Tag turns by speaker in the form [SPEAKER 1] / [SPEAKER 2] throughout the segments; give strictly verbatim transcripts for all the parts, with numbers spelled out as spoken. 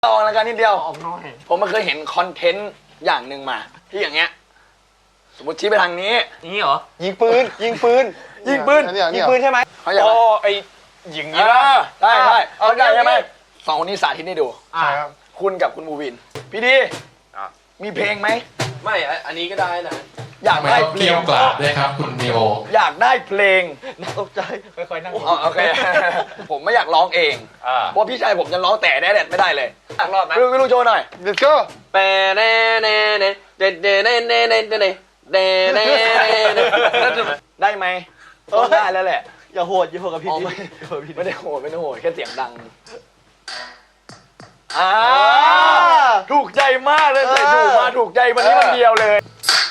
[SPEAKER 1] ลองแล้วกันนิดเดียว
[SPEAKER 2] ออกน้อย
[SPEAKER 1] ผมมาเคยเห็นคอนเทนต์อย่างหนึ่งมาที่อย่างเงี้ยสมมติชี้ไปทางนี้
[SPEAKER 2] นี่เหรอ
[SPEAKER 3] ยิงปืนยิงปืน
[SPEAKER 1] ยิงปืน
[SPEAKER 3] ยิงปืนใช่ไหม
[SPEAKER 1] เขาอยาก
[SPEAKER 3] โอ้ไอยิง
[SPEAKER 1] เอ
[SPEAKER 3] นี้
[SPEAKER 1] อได้ได้เอาได้ใช่ไหม
[SPEAKER 3] โอเค
[SPEAKER 1] สองคนนี้สาธิตให้ดู
[SPEAKER 3] ใช่ครับ
[SPEAKER 1] คุณกับคุณบูวิน พี่ดีมีเพลงไหม
[SPEAKER 2] ไม่อันนี้ก็ได้นะ
[SPEAKER 1] อยาก
[SPEAKER 4] ไม่
[SPEAKER 1] ได้
[SPEAKER 4] ต้อง
[SPEAKER 1] เพล
[SPEAKER 4] เกี่
[SPEAKER 1] ง
[SPEAKER 4] ยวกราบด้วยครับคุณนิโอ
[SPEAKER 1] อยากได้เพลง
[SPEAKER 3] ตกใจค่อยๆนั่ง
[SPEAKER 1] อ๋อโอเค ผมไม่อยากร้องเอง
[SPEAKER 3] อ่า
[SPEAKER 1] เพราะพี่ชายผมจะร้องแต่แดดไม่ได้เลย
[SPEAKER 2] ตักรอบนะ
[SPEAKER 1] ไม่รู้ไม่รู้โชว์หน่อย
[SPEAKER 3] let's go
[SPEAKER 2] เปเน่เน่เน่เดเดเน่เน่เน่เดเน่เดเน่เน่
[SPEAKER 1] ได้ไหมต้องได้แล้วแหละ
[SPEAKER 3] อย่าโหดอย่าโหดกับพี่
[SPEAKER 1] อ๋อ
[SPEAKER 3] ดิ
[SPEAKER 1] ไม่ไม่ได้โหดไม่ได้โหดแค่เสียงดังอ่าถูกใจมากเลยใส่ถูกมาถูกใจวันนี้วันเดียวเลย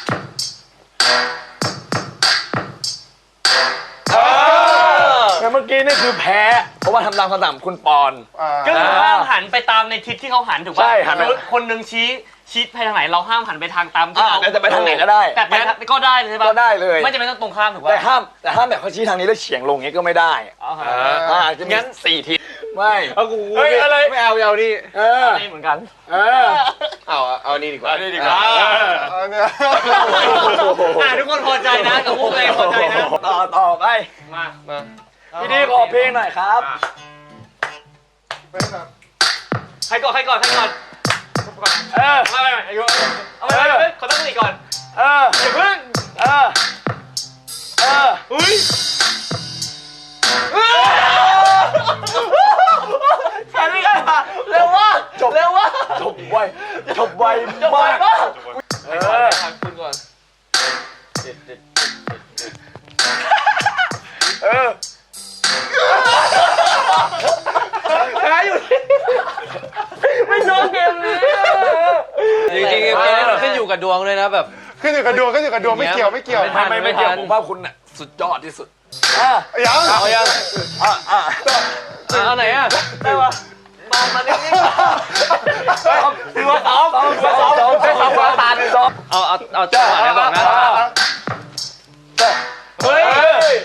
[SPEAKER 1] แต่เมื่อกี้นี่คือแพ้ เพราะว่าทำตามคำสั่งคุณปอน
[SPEAKER 5] ก็คือห้ามหันไปตามในทิศที่เขาหันถูกป่ะ
[SPEAKER 1] ใช่หันไป
[SPEAKER 5] สมมุติคนหนึ่งชี้ชี้ไปทางไหนเราห้ามหันไปทางตามที่
[SPEAKER 1] อ่า
[SPEAKER 5] เขา
[SPEAKER 1] แต่จะไปทางไหนก็ได้
[SPEAKER 5] แต่ไปทางก็ได้เลยใช่ป่ะ
[SPEAKER 1] ก็ได้เลย
[SPEAKER 5] ไม่จำเป็นต้องตรงข้ามถูกป่ะ
[SPEAKER 1] แต่ห้ามแต่ห้ามแบบเขาชี้ทางนี้แล้วเฉียงลงอย่างนี้ก็ไม่ได้
[SPEAKER 5] อ๋อฮะ
[SPEAKER 1] อ่าจะมีสี่ทิศไม่
[SPEAKER 3] เอากู
[SPEAKER 1] เฮ้ยอะไร
[SPEAKER 3] ไม่เอาไม่เอานี่
[SPEAKER 1] เออ
[SPEAKER 5] นี่เหมือนกัน
[SPEAKER 1] เออ
[SPEAKER 2] เอาเอานี่ดีกว่า
[SPEAKER 3] นี่ดีกว่าเอาเนี่ย
[SPEAKER 5] อ่ะทุกคนพอใจนะกับพวกเองพอใจนะ
[SPEAKER 1] ต่อต่อไป
[SPEAKER 5] มา
[SPEAKER 3] มา
[SPEAKER 1] พี่ดีขอเพลงหน่อยครับ
[SPEAKER 3] เป็นแบบ
[SPEAKER 5] ใครก่อนใครก่อนใครก่อน
[SPEAKER 1] เออ
[SPEAKER 5] ไม่ไม่ไม่อายุเอาไปไปขอตั้งสติก่อน
[SPEAKER 1] เออ
[SPEAKER 5] อย่าเพิ่ง
[SPEAKER 1] เออเออ
[SPEAKER 5] อุ้ยแค่นี้กันเร็วว่ะ
[SPEAKER 1] จบ
[SPEAKER 5] เร็วว่ะ
[SPEAKER 1] จบไวจบไว
[SPEAKER 5] จะไหว
[SPEAKER 1] มาก
[SPEAKER 5] ปะ
[SPEAKER 1] เออ
[SPEAKER 2] คุณก่อน
[SPEAKER 1] เออ
[SPEAKER 5] แพ้อยู่ไม่ชอบเกมนี้
[SPEAKER 2] จริงๆเกมนี้มันขึ้นอยู่กับดวงด้วยนะแบบ
[SPEAKER 3] ขึ้นอยู่กับดวงขึ้นอยู่กับดวงไม่เกี่ยวไม่เกี่ยว
[SPEAKER 1] ไม่ไม่ไม่เกี่ยวผมว่าคุณน่ะสุดยอดที่สุดอ่ะ
[SPEAKER 3] ยัง
[SPEAKER 2] เอายัง
[SPEAKER 1] อ่ะอ่ะ
[SPEAKER 2] เอาไหนอ่ะ
[SPEAKER 1] ได้ปะ
[SPEAKER 5] มามานิ่ง
[SPEAKER 1] ถือว่าซ้อมถือว่าซ้อมซ้อมซ้อมซ้อมตาหนึ่งซ้อม
[SPEAKER 2] เอาเอาเอาจังหวะนี้ก่อนนะ
[SPEAKER 1] เฮ้ย
[SPEAKER 5] เฮ้ย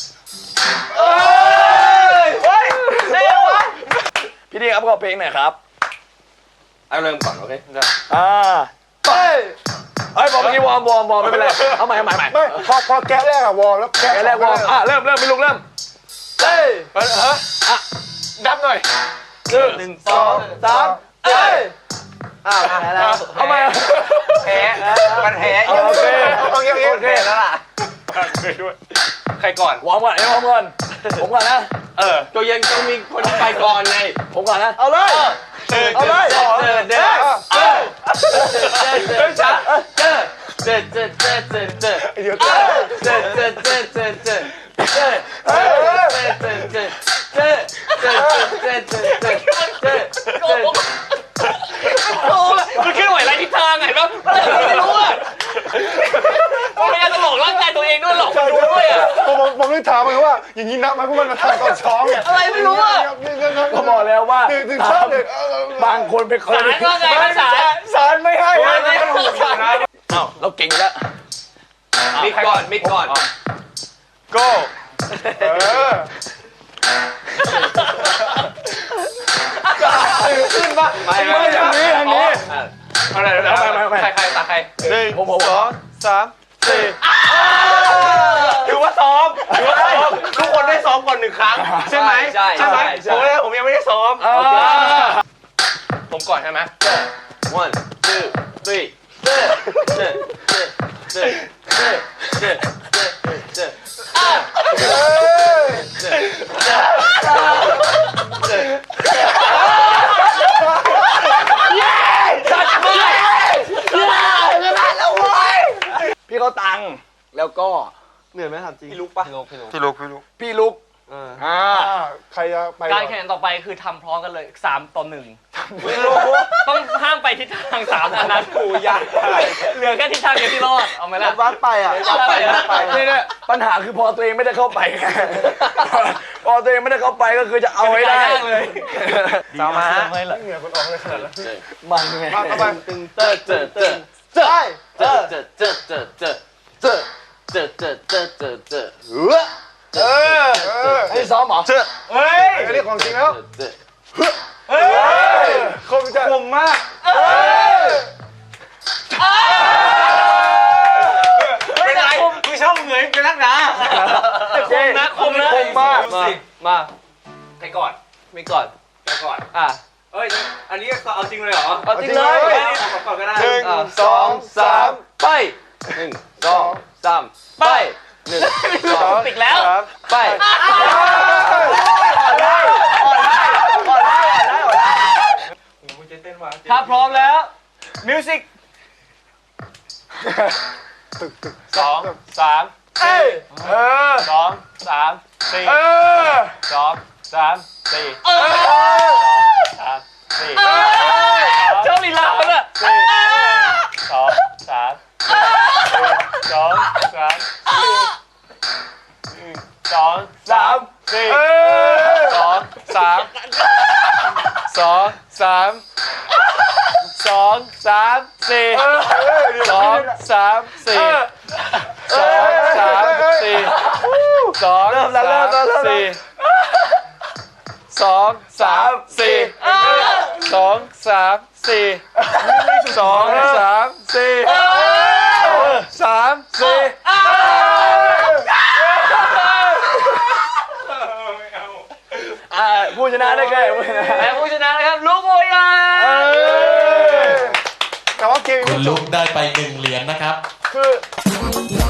[SPEAKER 5] เฮ้ยเร็ววะ
[SPEAKER 1] พี่ดีครับขอเพลงหน่อยครับ
[SPEAKER 2] เอาเริ่มก่อนโอเค
[SPEAKER 1] อ่า
[SPEAKER 3] ไป
[SPEAKER 1] เฮ้ยบอกเมื่อกี้วอร์มวอร์มวอร์มไม่เป็นไรเอาใหม่เอาใหม่ใหม่
[SPEAKER 3] ไม่พอพอแก๊สแรกอะวอร์มแล้วแก๊ส
[SPEAKER 1] แกแรกวอร์มอ่ะเริ่มเริ่มพี่ลุกเริ่ม
[SPEAKER 3] เฮ้ย
[SPEAKER 1] เฮ้ยฮะอ่ะดับหน่อย
[SPEAKER 5] หนึ่ง
[SPEAKER 3] สองสามเฮ้ย
[SPEAKER 5] อ้าวแพ้แล้ว
[SPEAKER 1] เอาใหม่
[SPEAKER 5] แพ้มันแพ้
[SPEAKER 1] โอเค
[SPEAKER 3] โอเคโอเค
[SPEAKER 1] โอเคแล้วล่ะ
[SPEAKER 2] ใครก่อน
[SPEAKER 1] วอร์มก่อนเอ้ยวอร์มก่อนผมก่อนนะ
[SPEAKER 2] เออตัวยังต้องมีคนไปก่อนไง
[SPEAKER 1] ผมก่อนนะ
[SPEAKER 3] เอาเลย
[SPEAKER 1] เอาเลย
[SPEAKER 2] เจอเจอเจอเจอเจอช้าเจอเจอเจอเจอเจอเจอ
[SPEAKER 3] เดี๋ยว
[SPEAKER 2] เจอเจอเจอเจอเจอเจอเจอเจอเจอเจอเจอเจอเจอเจอเจอเจอเจอเจอเจอ
[SPEAKER 5] มันเคลื่อนไหวไรทิศทางไงแล้วไม่รู้อ่ะมันพยายามจะหลอกร่างกายตัวเองด้วยหลอกคนดูด้วยอ่ะ
[SPEAKER 3] ผมผมผมเลยถามมันว่าอย่างนี้นับไหมพวกมันมาทำก่อนซ้อมไง
[SPEAKER 5] อะไรไม่รู้อ่ะ
[SPEAKER 1] ก็บอกแล้วว่า
[SPEAKER 3] ถึงถึงชอบเด็ก
[SPEAKER 1] บางคนเป็นคน
[SPEAKER 5] สารว่าไงภาษา
[SPEAKER 1] สารไม่ให้
[SPEAKER 5] สารไม่ให้
[SPEAKER 1] เอ้าเราเก่งแล้ว
[SPEAKER 2] มิกก่อนมิกก่อน
[SPEAKER 3] go เออ
[SPEAKER 2] ขึ้นปะ
[SPEAKER 1] ไม่ไม่อย่างนี้อย่างนี้
[SPEAKER 2] อะไร
[SPEAKER 1] เอาไปไปไป
[SPEAKER 2] ใครใครตาใคร
[SPEAKER 3] หนึ่ง
[SPEAKER 1] ผมผม
[SPEAKER 3] สองสามสี่
[SPEAKER 2] ถือว่าซ้อมถือว่าซ้อมทุกคนได้ซ้อมก่อนหนึ่งครั้งใช่ไหม
[SPEAKER 5] ใช่
[SPEAKER 2] ใช่ไหม
[SPEAKER 5] ใช่
[SPEAKER 2] ผมเนี่ยผมยังไม่ได้ซ้อม
[SPEAKER 1] เออ
[SPEAKER 2] ผมก่อนใช่ไหม one two three เจอเจอเจอเจอเจอเจอเจอเจอ
[SPEAKER 1] พี่เขาตังค์แล้วก็
[SPEAKER 3] เหนื่อยไหมถามจริง
[SPEAKER 2] พี่ลุกปะ
[SPEAKER 3] พี่ลุกพี่ลุกพี่ลุก
[SPEAKER 1] พี่ลุกอ่า
[SPEAKER 3] ใครจะไป
[SPEAKER 5] การแข่งต่อไปคือทำพร้อมกันเลยสามต่อหนึ่งต้องห้ามไปทิศทางสามอันนั้นกูยากเหลือแค่ทิศทางเดียวที่รอดเอาไหมล่ะ
[SPEAKER 3] วัดไปอ่ะ
[SPEAKER 5] ไปไป
[SPEAKER 1] นี่เนี่ยปัญหาคือพอตัวเองไม่ได้เข้าไปไงพอตัวเองไม่ได้เข้าไปก็คือจะเอาให้ได้
[SPEAKER 5] เลย
[SPEAKER 1] ตามมา
[SPEAKER 3] เหงื่อคนออกเลยขนาดนั้น
[SPEAKER 1] มันไง
[SPEAKER 3] มาเข้าไป
[SPEAKER 2] ตึงเจอเจอเจอ
[SPEAKER 3] ใช่
[SPEAKER 2] เจอเจอเจอเจอเจอเจอเจอเจอเจอเจอเจอ
[SPEAKER 1] เออ
[SPEAKER 3] เออ
[SPEAKER 1] ให้ซ้อมเหรอ
[SPEAKER 3] เฮ้ยอันนี้ของจริงแล้ว
[SPEAKER 2] เจอ
[SPEAKER 3] คมจะ
[SPEAKER 2] คมมาก
[SPEAKER 5] เป็นไร
[SPEAKER 2] มึงชอบเหงื่อกันนักหนา
[SPEAKER 5] คมนะคมนะ
[SPEAKER 1] คมมาก
[SPEAKER 2] มามา
[SPEAKER 5] ใครก่อน
[SPEAKER 2] ไม่ก่อน
[SPEAKER 5] ใครก่อน
[SPEAKER 2] อ่ะ
[SPEAKER 5] เอ้ยอันนี้ก็เอาจริงเลยเหรอ
[SPEAKER 2] เอาจริงเลย
[SPEAKER 5] อันนี้เอาก่อนก็ได้
[SPEAKER 3] หนึ่ง
[SPEAKER 2] อ่ะ
[SPEAKER 3] สองสาม
[SPEAKER 2] ไปหนึ่งสองสามไปหนึ่งสอง
[SPEAKER 5] ปิดแล้ว
[SPEAKER 3] ครับ
[SPEAKER 2] ไป
[SPEAKER 1] อ่อนได้อ่อนได้อ่อนได้อ่อนได้อ่อนได้
[SPEAKER 5] มึงจะเต้นวะ
[SPEAKER 2] ถ้าพร้อมแล้วมิวสิก
[SPEAKER 3] ตึกตึก
[SPEAKER 2] สองสาม
[SPEAKER 1] เอ้ยเออ
[SPEAKER 2] สองสามสี่
[SPEAKER 1] เออ
[SPEAKER 2] สองสามสี่
[SPEAKER 1] เออ
[SPEAKER 2] สามสี่
[SPEAKER 5] เจ้าลีลาเขาเนี่ย
[SPEAKER 2] สี่สองสามสองสามสี่สอง
[SPEAKER 1] สาม
[SPEAKER 2] สี่
[SPEAKER 1] เออ
[SPEAKER 2] สองสามสองสามสองสามสี่
[SPEAKER 1] เออเออ
[SPEAKER 2] สองสามสี่สองสามสี่สอง
[SPEAKER 1] เริ่มแล้วเริ่มแล้วเริ่มแล้ว
[SPEAKER 2] สี่สองสามสี่สองสามสี่สองสามสี่สามสี่
[SPEAKER 1] อ่าผู้ชนะได้แก่ผู้ชนะ
[SPEAKER 5] และผู้ชนะนะครับลูกโมยา
[SPEAKER 1] เออ
[SPEAKER 3] แต่ว่าเกม
[SPEAKER 4] คุณลุกได้ไปหนึ่งเหรียญนะครับ
[SPEAKER 1] คือ